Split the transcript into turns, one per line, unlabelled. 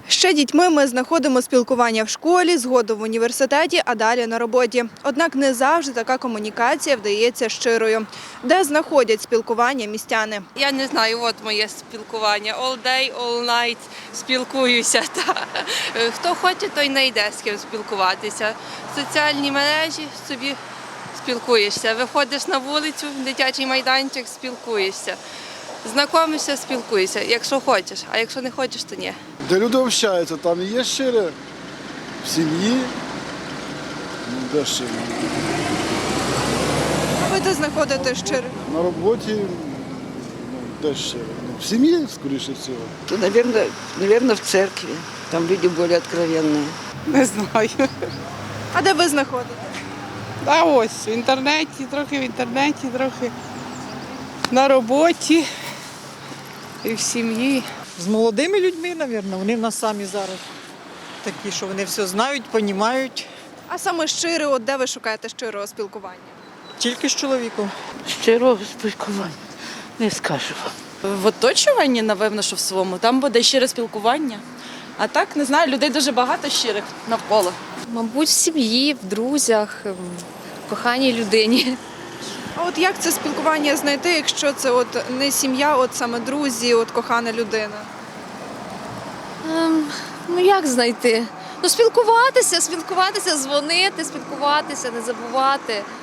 Ще дітьми ми знаходимо спілкування в школі, згодом в університеті, а далі на роботі. Однак не завжди така комунікація вдається щирою. Де знаходять спілкування містяни?
Я не знаю, от моє спілкування. All day, all night спілкуюся. Хто хоче, той не йде з ким спілкуватися. Соціальні мережі собі спілкуєшся. Виходиш на вулицю, дитячий майданчик, спілкуєшся. Знайомишся, спілкуєшся, якщо хочеш, а якщо не хочеш, то ні.
Де люди общаються, там і є щире, в сім'ї, де щире.
Ви де знаходите щире?
На роботі, де щире. В сім'ї, скоріше всього.
То, наверное, в церкви. Там люди более откровенные.
Не знаю.
А де ви знаходите?
А ось в інтернеті, трохи на роботі і в сім'ї.
З молодими людьми, мабуть, вони в нас самі зараз такі, що вони все знають, розуміють.
А саме щире, от де ви шукаєте щирого спілкування?
Тільки з чоловіком.
Щирого спілкування не скажу.
В оточуванні, напевно, що в своєму, там буде щире спілкування. А так, не знаю, людей дуже багато щирих навколо.
Мабуть, в сім'ї, в друзях, в коханій людині.
А от як це спілкування знайти, якщо це от не сім'я, от саме друзі, от кохана людина?
Ну як знайти? Ну спілкуватися, дзвонити, спілкуватися, не забувати.